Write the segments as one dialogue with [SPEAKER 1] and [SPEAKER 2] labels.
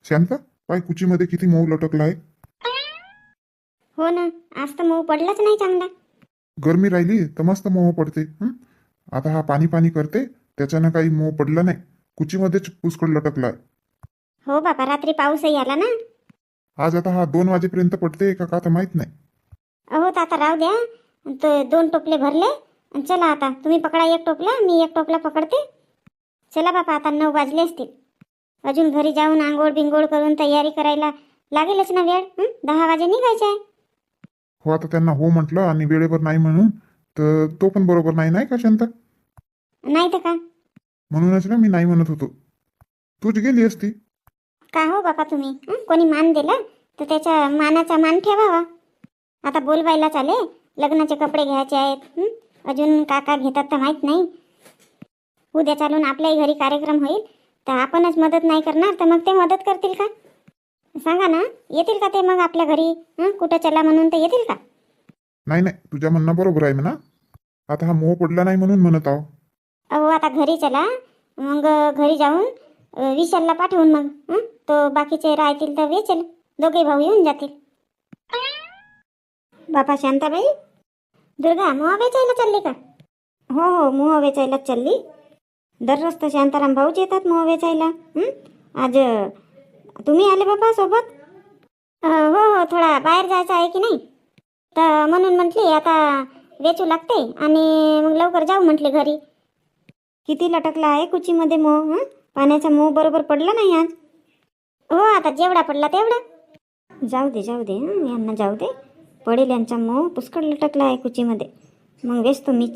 [SPEAKER 1] शांता, पाय कुचीमध्ये किती मऊ लटकला आहे.
[SPEAKER 2] हो ना, आज तर मऊ पडलाच नाही चांगला.
[SPEAKER 1] गरमी राहिली तर मस्त मऊ पडते. आता हा पाणी पाणी करते, त्याच्यानं काही मऊ पडला नाही. कुचीमध्येच पुष्कळ लटकला आहे.
[SPEAKER 2] हो बाबा, रात्री पाऊसही आला ना.
[SPEAKER 1] आज आता हा 2 वाजेपर्यंत पडते का तर माहित नाही.
[SPEAKER 2] अहो तर आता राहू द्या. तो 2 टोपले भरले. चला आता तुम्ही पकडा एक टोपला, मी एक टोपला पकडते. चला बाबा, आता 9 वाजले असतील. अजून घरी जाऊन आंघोळ बिंगोळ करून तयारी करायला लागेलच ना वेळ. 10 वाजे निघायचे आहे.
[SPEAKER 1] हो, आता त्यांना हो म्हटलं आणि वेळेवर नाही म्हणून तर तो पण बरोबर नाही, नाही का शांता?
[SPEAKER 2] नाही तर का.
[SPEAKER 1] म्हणूनच ना मी नाही म्हणत होतो. तूच गेली असती.
[SPEAKER 2] का हो बाबा तुम्ही, कोणी मान दिला तर त्याच्या मानाचा मान ठेवावा. आता बोलवायला चाले, लग्नाचे कपडे घ्यायचे आहेत. अजून काका घेतात तर माहीत नाही. उद्या चालून आपल्याही घरी कार्यक्रम होईल तर आपणच मदत नाही करणार तर मग ते मदत करतील का? सांगा ना, येतील का ते मग आपल्या घरी? कुठं चला म्हणून ते येतील का?
[SPEAKER 1] नाही नाही, तुझ्या म्हणणं बरोबर आहे म्हणा. आता हा मोह पडला नाही म्हणून म्हणत आहो.
[SPEAKER 2] अहो आता घरी चला, मग घरी जाऊन विशालला पाठवून मग तो बाकीचे राहतील तर वेचेल. दोघे भाऊ येऊन जातील. बापा शांताबाई, दुर्गा मोह वेचायला चालली का? हो हो, मोह वेचायलाच चालली. दररोज तर शांताराम भाऊच येतात मोह वेचायला. आज तुम्ही आले बाबा सोबत? हो हो, थोडा बाहेर जायचं आहे की नाही, तर म्हणून म्हटली आता वेचू लागते आणि मग लवकर जाऊ म्हटले घरी. किती लटकला आहे कुचीमध्ये मोह. पाण्याचा मोह बरोबर पडला नाही आज. हो, आता जेवढा पडला तेवढा. जाऊ दे जाऊ दे, यांना जाऊ दे. पडेल यांचा मोह पुष्कळ लटकला आहे कुचीमध्ये. मग वेचतो मीच.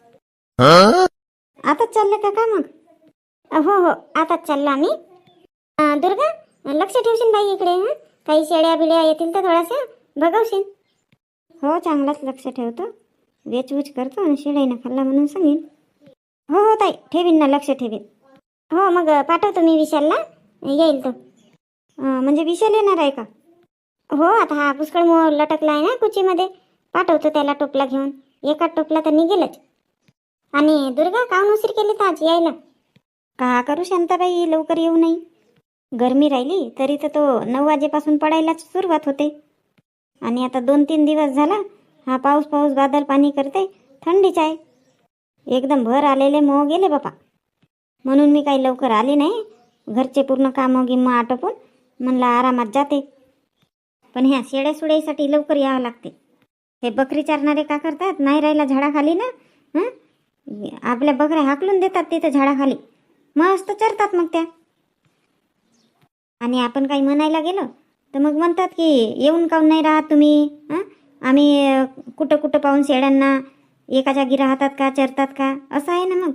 [SPEAKER 2] आताच चाललं का मग? हो हो, आताच चाललो आम्ही. दुर्गा, लक्ष ठेवशील बाई इकडे. काही शेळ्या बिड्या येतील तर थोडासा बघवशील. हो, चांगलाच लक्ष ठेवतो. वेचवूच करतो आणि शेळ्यानं खाल्ला म्हणून सांगेन. हो हो ताई, ठेवीन ना, लक्ष ठेवीन. हो, मग पाठवतो मी विशालला, येईल तो. म्हणजे विशाल येणार आहे का? हो, आता हा पुष्कळ मोह लटकला आहे ना कुचीमध्ये, पाठवतो त्याला टोपला घेऊन. एका टोपला तर निघेलच. आणि दुर्गा, काहून उशीर केली तर आज यायला? का करू शांताबाई, लवकर येऊ नाही. गरमी राहिली तरी तर तो 9 वाजेपासून पडायलाच सुरुवात होते. आणि आता 2-3 दिवस झाला हा पाऊस पाऊस बादल पाणी करते. थंडीच आहे. एकदम भर आलेले मोह गेले बापा. म्हणून मी काही लवकर आले नाही. घरचे पूर्ण कामं गिम्म आटोपून म्हणलं आरामात जाते. पण ह्या शेड्या सुड्यासाठी लवकर यावं लागते. हे बकरी चारणारे का करतात, नाही राहिला झाडाखाली ना, आपल्या बकऱ्या हाकलून देतात तिथं झाडाखाली. मस्त चरतात मग त्या. आणि आपण काही म्हणायला गेलो तर मग म्हणतात की येऊन काऊन नाही राहत तुम्ही. आम्ही कुठं कुठं पाहून शेळ्यांना एका जागी राहतात का, चरतात का, असं आहे ना मग.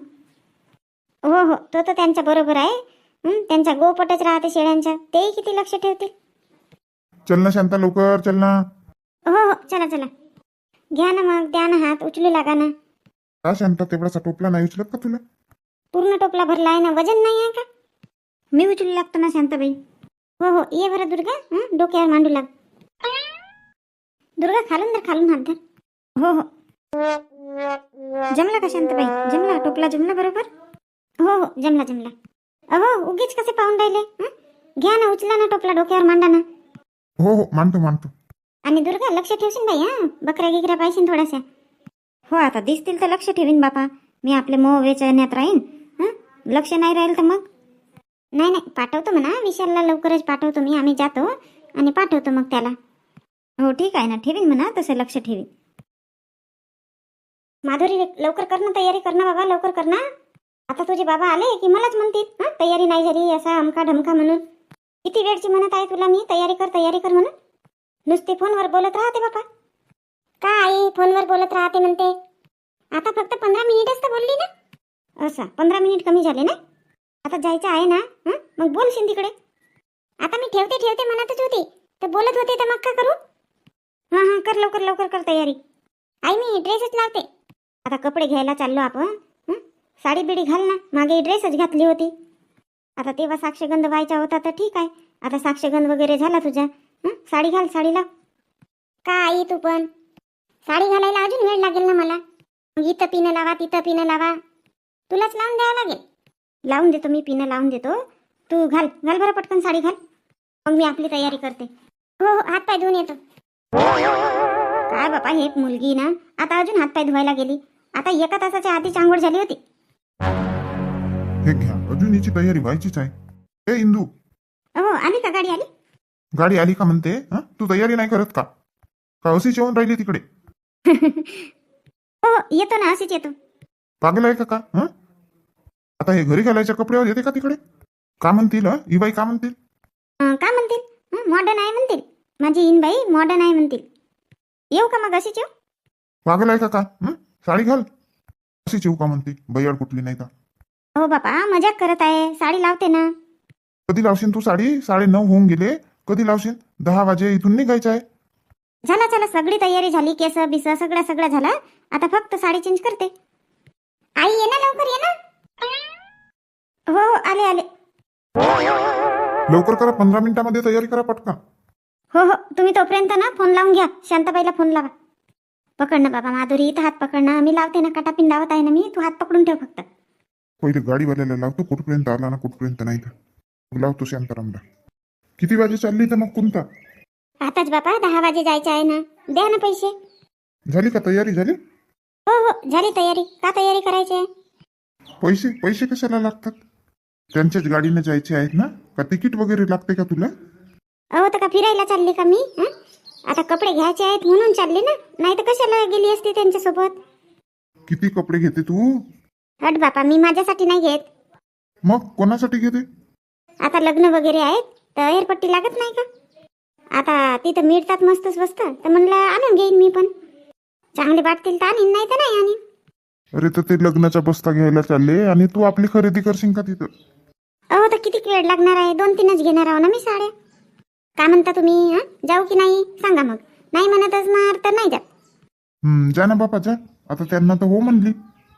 [SPEAKER 2] हो हो, तो तर त्यांच्या बरोबर आहे. त्यांच्या गोपटच राहते शेळ्यांच्या, तेही किती लक्ष ठेवतील.
[SPEAKER 1] चल ना शांता, लवकर चल ना.
[SPEAKER 2] हो हो, चला चला. घ्या ना मग, द्या ना हात, उचलू लागा ना.
[SPEAKER 1] का शांता, तेवढासा टोपला नाही उचलत का तुला?
[SPEAKER 2] पूर्ण टोपला भरला आहे ना, वजन नाही आहे का? मी उचलू लागतो ना शांताबाई. हो हो, ये बरं दुर्गा, डोक्यावर मांडू लाग. दुर्गा, खालून धर, खालून हात धर. हो हो. जमला का शांताबाई, जमला टोपला, जमला बरोबर? हो हो, जमला जमला. अहो, उगीच कसे पाहून राहिले. घ्या ना, उचला ना टोपला, डोक्यावर मांडा ना.
[SPEAKER 1] हो हो, मानतो मानतो.
[SPEAKER 2] आणि दुर्गा, लक्ष ठेवशील बाई. बकऱ्या गिकऱ्या पाहिजे थोड्याशा. हो, आता दिसतील तर लक्ष ठेवीन बापा. मी आपले मोह वेचण्यात राहीन. लक्ष नाही राहील तर मग नाही नाही, पाठवतो म्हणा विशालला, लवकरच पाठवतो मी. आम्ही जातो आणि पाठवतो मग त्याला. हो ठीक आहे ना, ठेवीन म्हणा तसं, लक्ष ठेवीन. माधुरी, लवकर कर ना, तयारी कर ना बाबा, लवकर कर ना. आता तुझे बाबा आले की मलाच म्हणतील तयारी नाही झाली असा अमका ढमका म्हणून. किती वेळची म्हणत आहे तुला मी, तयारी कर म्हणून. नुसते फोनवर बोलत राहते बापा. का आई, फोनवर बोलत राहते म्हणते? आता फक्त 15 मिनिटच तर बोलली ना. असं 15 मिनिट कमी झाले ना. आता जायचं आहे ना, मग बोलशील तिकडे. आता मी ठेवते म्हणतच होती तर बोलत होते, तर मग का करू? हां कर, लवकर लवकर कर तयारी. आई, मी ड्रेसच लावते. आता कपडे घ्यायला चाललो आपण. साडी बिडी घाल ना, मागे ड्रेसच घातली होती. आता तेव्हा साक्षगंध व्हायचा होता तर ठीक आहे. आता साक्षगंध वगैरे झाला तुझा. साडी घाल, साडी लाव. का आई, तू पण साडी घालायला अजून वेळ लागेल ना मला. मग इथं पिनं लावा, तिथं पिनं लावा, तुलाच लावून द्यावं लागेल. लावून देतो मी, पिनं लावून देतो. तू घाल घाल बरं पटकन साडी घाल. मग मी आपली तयारी करते. हो हो, हात पाय धुवून येतो. काय बापा, हे मुलगी ना आता अजून हात पाय धुवायला गेली. आता एका तासाच्या आधीच आंघोळ झाली होती.
[SPEAKER 1] हे घ्या, अजून हिची तयारी व्हायचीच आहे. ए इंदू,
[SPEAKER 2] हो, आली का गाडी? आली.
[SPEAKER 1] गाडी आली का म्हणते? हं? तू तयारी नाही करत का? का अशीच येऊन राहिली तिकडे?
[SPEAKER 2] हो हो, येतो ना, अशीच येतो.
[SPEAKER 1] पागल आहे का हं? आता हे घरी घालायच्या कपड्यावर येते का तिकडे? का म्हणतील ही बाई, का म्हणतील?
[SPEAKER 2] का म्हणतील? मॉडर्न आहे म्हणतील. माझी इनबाई मॉडर्न आहे म्हणतील. येऊ का मग अशीच येऊ?
[SPEAKER 1] पागल आहे का हं? साडी घाल, अशीच येऊ का म्हणते? बैयाड कुठली नाही का?
[SPEAKER 2] हो बापा, मजाक करत आहे. साडी लावते ना.
[SPEAKER 1] कधी लावशील तू साडी? 9:30 होऊन गेले. कधी लावशील? 10 वाजे इथून निघायचं आहे.
[SPEAKER 2] झाला चला, सगळी तयारी झाली. केस बिस सगळं झालं. आता फक्त साडी चेंज करते. आई ये ना, लवकर ये ना. हो हो, आले आले.
[SPEAKER 1] लवकर करा, 15 मिनिटामध्ये तयारी करा पटकन.
[SPEAKER 2] हो हो, तुम्ही तोपर्यंत ना फोन लावून घ्या. शांताबाईला फोन लावा. पकड ना बाबा माधुरी, इथं हात पकड ना. मी लावते ना, काटापिन लावत आहे ना मी. तू हात पकडून ठेव फक्त.
[SPEAKER 1] पहिले गाडीवाल्याला लावतो, कुठपर्यंत आला ना कुठपर्यंत नाही तर मग लावतो शांतारामला. किती वाजे चालली तर मग कोणता?
[SPEAKER 2] आताच बापा 10 वाजे जायचे आहे ना. द्या ना पैसे.
[SPEAKER 1] झाली का तयारी? झाली?
[SPEAKER 2] हो हो, झाली तयारी. का तयारी करायची आहे?
[SPEAKER 1] पैसे पैसे कशाला लागतात? त्यांच्याच गाडीने जायचे आहेत ना? का तिकीट वगैरे लागते का तुला?
[SPEAKER 2] अहो, तर का फिरायला चालली का मी? आता कपडे घ्यायचे आहेत म्हणून चालली ना. नाही तर कशाला गेली असती त्यांच्यासोबत.
[SPEAKER 1] किती कपडे घेते तू?
[SPEAKER 2] हट बापा, मी माझ्यासाठी नाही घेत.
[SPEAKER 1] मग कोणासाठी घेते?
[SPEAKER 2] आता लग्न वगैरे आहेत तर एअरपट्टी लागत नाही का? आता तिथं मिळतात मस्त स्वस्त, तर म्हणलं आणून घेईन मी पण. चांगले वाटतील तर आणीन, नाही तर नाही आणीन.
[SPEAKER 1] अरे तर ते लग्नाचा बस्ता घ्यायला चालले आणि तू आपली खरेदी करशील का तिथं?
[SPEAKER 2] अहो, तर किती वेळ लागणार आहे? 2-3च घेणार आहो ना मी साड्या. काय म्हणता तुम्ही? जाऊ की नाही सांगा मग. नाही म्हणत असणार तर नाही जात.
[SPEAKER 1] जा ना बापा, जा. आता त्यांना तर हो म्हणली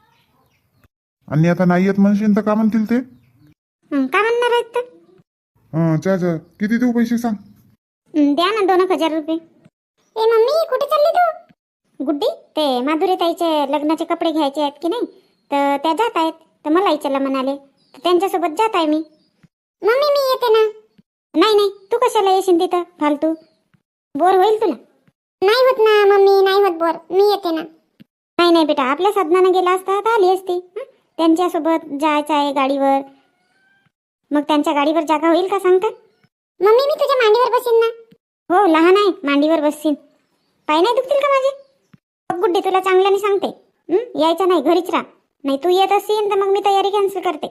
[SPEAKER 1] आणि आता नाही येत म्हणशील तर का म्हणतील ते?
[SPEAKER 2] काय म्हणणार आहेत तर?
[SPEAKER 1] जा जा. किती देऊ पैसे सांग?
[SPEAKER 2] द्या ना 2,000 रुपये. ए मम्मी, कुठे चालली तू? गुड्डी, ते माधुरी ताईचे लग्नाचे कपडे घ्यायचे आहेत की नाही, तर त्या जात आहेत. तर मलाही चला म्हणाले, तर त्यांच्यासोबत जात आहे मी. मम्मी, मी येते ना. नाही नाही, तू कशाला येशील तिथं फालतू? बोर होईल तुला. नाही होत ना मम्मी, नाही होत बोर. मी येते ना. नाही नाही बेटा, आपल्या साधनानं गेला असता तर आली असती. त्यांच्यासोबत जायचं आहे गाडीवर. मग त्यांच्या गाडीवर जागा होईल का सांगता? मम्मी, मी तुझ्या मांडीवर बसीन ना. हो, लहान आहे, मांडीवर बसशील. पाय नाही दुखतील का माझे? गुड्डी, तुला चांगल्याने सांगते, यायचं नाही, घरीच राहा. नाही तू येत असेल तर मग मी तयारी कॅन्सल करते.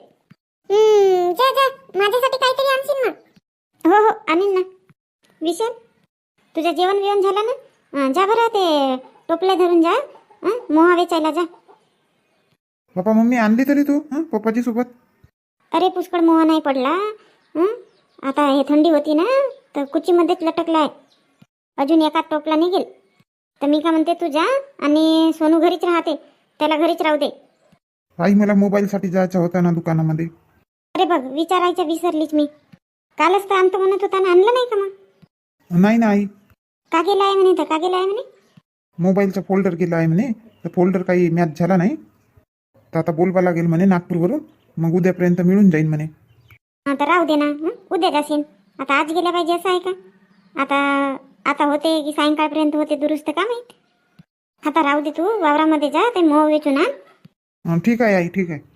[SPEAKER 2] जा जा, माझ्यासाठी काहीतरी आणशील ना? हो हो, आणीन ना. विशाल, तुझं जेवण बिवण झालं ना? जा बरं, ते टोपल्या धरून जा. मोहा वेचायला जा.
[SPEAKER 1] बापा मम्मी आणली तरी तू पप्पाची सोबत?
[SPEAKER 2] अरे पुष्कळ मोहा नाही पडला. आता हे थंडी होती ना, तर कुचीमध्येच लटकला आहे. अजून एका टोपला निघेल. तर मी का म्हणते, तू जा आणि सोनू घरीच राहते, त्याला घरीच राहू दे.
[SPEAKER 1] आई, मला मोबाईलसाठी जायचा होता ना दुकानामध्ये.
[SPEAKER 2] अरे बघ, विचारायचं विसरलीच मी. कालच तर आणतो म्हणत होता ना, आणलं नाही का मग?
[SPEAKER 1] नाही ना आई.
[SPEAKER 2] का गेला आहे म्हणे? तर का गेला आहे म्हणे?
[SPEAKER 1] मोबाईलचा फोल्डर गेला आहे म्हणे. तर फोल्डर काही मॅच झाला नाही, तर आता बोलवा लागेल म्हणे नागपूरवरून. मग उद्यापर्यंत मिळून जाईल म्हणे.
[SPEAKER 2] तर राहू दे ना, उद्या जाशील. आता आज गेल्या पाहिजे असं आहे का? आता होते की सायंकाळपर्यंत होते दुरुस्त, का माहीत. आता राहू दे, तू वावरामध्ये जा, ते मोह वेचून आण.
[SPEAKER 1] ठीक आहे आई, ठीक आहे.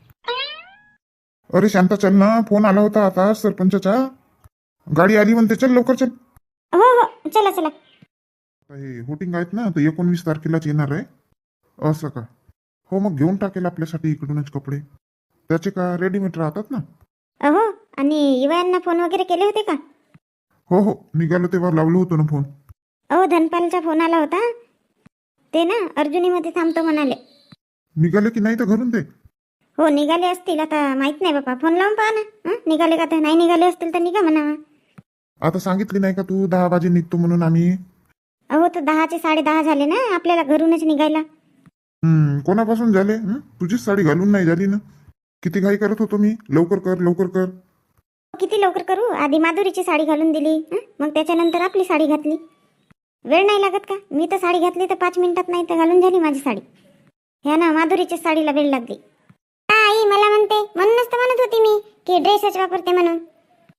[SPEAKER 1] अरे शांता, चल ना, फोन आला होता आता सरपंचाचा. गाडी आली म्हणते, चल लवकर चल.
[SPEAKER 2] हो हो, चला चला.
[SPEAKER 1] हे होटिंग आहेत ना, तर 19 तारखेलाच येणार आहे. असं का? हो, मग घेऊन टाकेल आपल्यासाठी इकडूनच कपडे. त्याचे का रेडीमेड राहतात ना.
[SPEAKER 2] अहो, आणि युवांना फोन वगैरे केले होते का?
[SPEAKER 1] हो हो, निघालो तेव्हा लावलो होतो ना फोन.
[SPEAKER 2] अहो, धनपालचा फोन आला होता. ते ना अर्जुनीमध्ये थांबतो म्हणाले.
[SPEAKER 1] निघाले की नाही तर घरून ते?
[SPEAKER 2] हो, निघाले असतील. आता माहित नाही बाबा, फोन लावून पहा ना. निघाले का? तर नाही निघाले असतील तर निघा म्हणावा.
[SPEAKER 1] आता सांगितली नाही का तू 10 वाजे निघतो म्हणून आम्ही?
[SPEAKER 2] अहो, तर 10चे 10:30 झाले ना आपल्याला घरूनच निघायला.
[SPEAKER 1] कोणापासून झाले? तुझीच साडी घालून नाही झाली ना. किती घाई करत होतो मी, लवकर कर लवकर कर.
[SPEAKER 2] किती लवकर करू? आधी माधुरीची साडी घालून दिली, मग त्याच्यानंतर आपली साडी घातली. वेळ नाही लागत का? मी तर साडी घातली तर 5 मिनिटात नाही तर घालून झाली माझी साडी. ह्या ना माधुरीच्या साडीला वेळ लागली. आई मला म्हणते, म्हणूनच तर म्हणत होती मी की ड्रेसच वापरते म्हणून.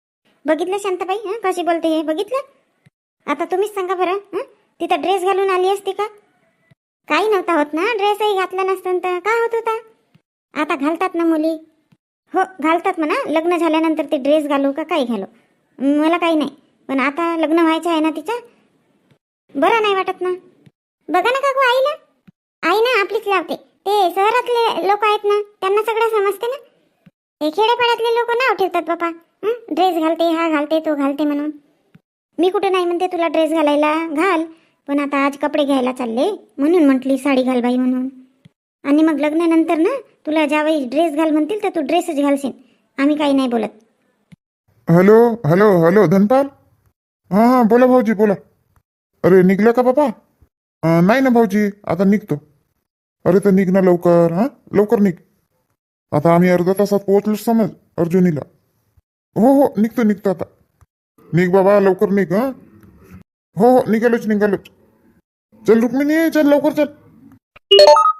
[SPEAKER 2] बघितलं शांताबाई हं कशी बोलते हे बघितलं आता तुम्हीच सांगा बरं हं तिथं ड्रेस घालून आली असती का काही नव्हता होत ना ड्रेसही घातला नसतं तर काय होत होता आता घालतात ना मुली हो घालतात म्हणा लग्न झाल्यानंतर ते ड्रेस घालू का काही घालू मला काही नाही पण आता लग्न व्हायचं आहे ना तिचं बरं नाही वाटत ना बघा ना काकू आईला आई ना आपलीच लावते ते शहरातले लोक आहेत ना त्यांना सगळं समजते ना हे खेड्यापाड्यातले लोक नाव ठेवतात बापा ड्रेस घालते हा घालते तो घालते म्हणून मी कुठे नाही म्हणते तुला ड्रेस घालायला घाल पण आता आज कपडे घ्यायला चालले म्हणून म्हटली साडी घाल बाई म्हणून आणि मग लग्नानंतर ना तुला ज्यावेळी ड्रेस घाल म्हणतील तर तू ड्रेसच घालशील आम्ही काही नाही बोलत
[SPEAKER 1] हॅलो हॅलो हॅलो धनपाल हां हां बोला भाऊजी बोला अरे निघलं का बाबा नाही ना भाऊजी आता निघतो अरे तर निघ ना लवकर हां लवकर निघ आता आम्ही अर्ध्या तासात पोहोचलो समज अर्जुनीला हो हो निघतो आता निघ बाबा लवकर निघ हां हो हो निघालोच चल रुक्मिणी चल लवकर चल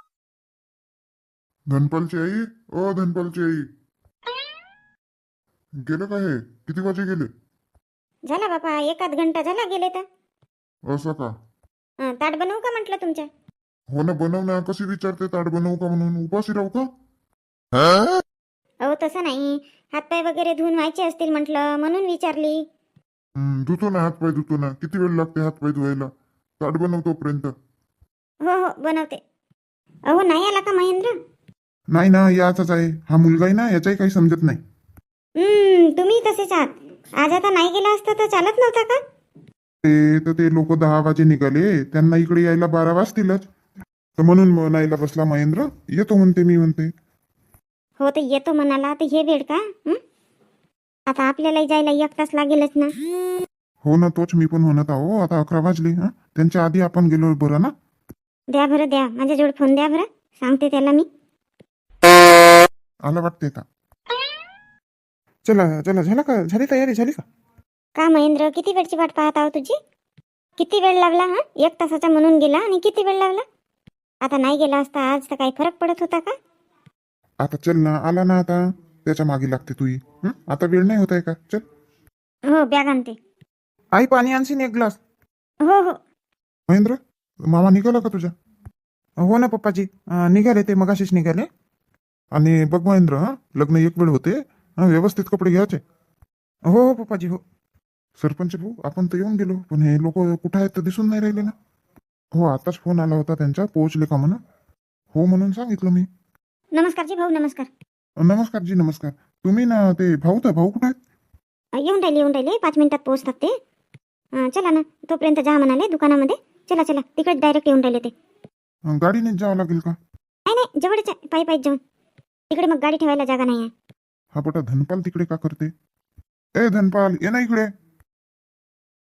[SPEAKER 1] धनपालची आई ओ धनपालची आई गेलं का हे किती वाजे गेले
[SPEAKER 2] झाला बापा एकाच घंटा झाला गेले तर
[SPEAKER 1] असं का
[SPEAKER 2] ताट बनवू का म्हटलं तुमच्या
[SPEAKER 1] हो ना बनव ना कशी विचारते ताट बनवू का म्हणून उपाशी राहू का
[SPEAKER 2] अहो तसं नाही हातपाय वगैरे धुवून व्हायचे असतील म्हटलं म्हणून विचारली
[SPEAKER 1] धुतो ना हातपाय धुतो ना किती वेळ लागते हातपाय धुवायला ताट बनवतोपर्यंत
[SPEAKER 2] हो हो बनवते अहो नाही आला का महेंद्र
[SPEAKER 1] नाही ना याचाच आहे हा मुलगा आहे ना याचाही काही समजत नाही
[SPEAKER 2] तुम्ही तसेच आहात आज आता नाही गेला असता तर चालत नव्हता का
[SPEAKER 1] ते लोक 10 वाजे निघाले त्यांना इकडे यायला 12 वाजतीलच तर म्हणून म्हणायला बसला महेंद्र येतो म्हणते मी म्हणते
[SPEAKER 2] हो तर येतो म्हणाला तर हे वेळ का आता आपल्याला जायला 1 तास लागेलच ना
[SPEAKER 1] हो ना तोच मी पण म्हणत आहो आता 11 वाजले त्यांच्या आधी आपण गेलो बरं ना
[SPEAKER 2] द्या बरं द्या माझ्याजवळ फोन द्या बरं सांगते त्याला मी
[SPEAKER 1] आला वाटते का चला चला झाली तयारी झाली
[SPEAKER 2] का महेंद्र किती वेळची वाट पाहत आहो तुझी किती वेळ लागला 1 तासाचा म्हणून गेला आणि किती वेळ लागला आता नाही गेला असता आज तर काही फरक पडत होता का
[SPEAKER 1] आता चल ना आला ना आता त्याच्या मागे लागते तू आता वेळ नाही होत आहे का चल
[SPEAKER 2] हो बॅग आणते
[SPEAKER 1] आई पाणी आणशील 1 ग्लास
[SPEAKER 2] हो हो
[SPEAKER 1] महेंद्र मामा निघाला का तुझ्या हो ना पप्पाजी निघाले ते मगाशीच निघाले आणि बघ महेंद्र लग्न 1 वेळ होते व्यवस्थित कपडे घ्यायचे हो हो पप्पाजी हो सरपंच भाऊ आपण तर येऊन गेलो पण हे लोक कुठं आहेत तर दिसून नाही राहिले ना हो आताच फोन आला होता त्यांचा पोहोचले का म्हणून हो म्हणून सांगितलं मी
[SPEAKER 2] नमस्कार जी भाऊ नमस्कार
[SPEAKER 1] नमस्कार जी नमस्कार तुम्ही ना ते भाऊ कुठे आहेत
[SPEAKER 2] येऊन राहिले 5 मिनिटात पोहोचतात ते चला ना तोपर्यंत जा म्हणाले दुकानामध्ये चला तिकडे डायरेक्ट येऊन राहिले ते
[SPEAKER 1] गाडीनेच जावं लागेल का
[SPEAKER 2] नाही जवळच आहे पायी जाऊन तिकडे मग गाडी ठेवायला जागा नाही आहे
[SPEAKER 1] हा बेटा धनपाल तिकडे का करते ए धनपाल ये ना इकडे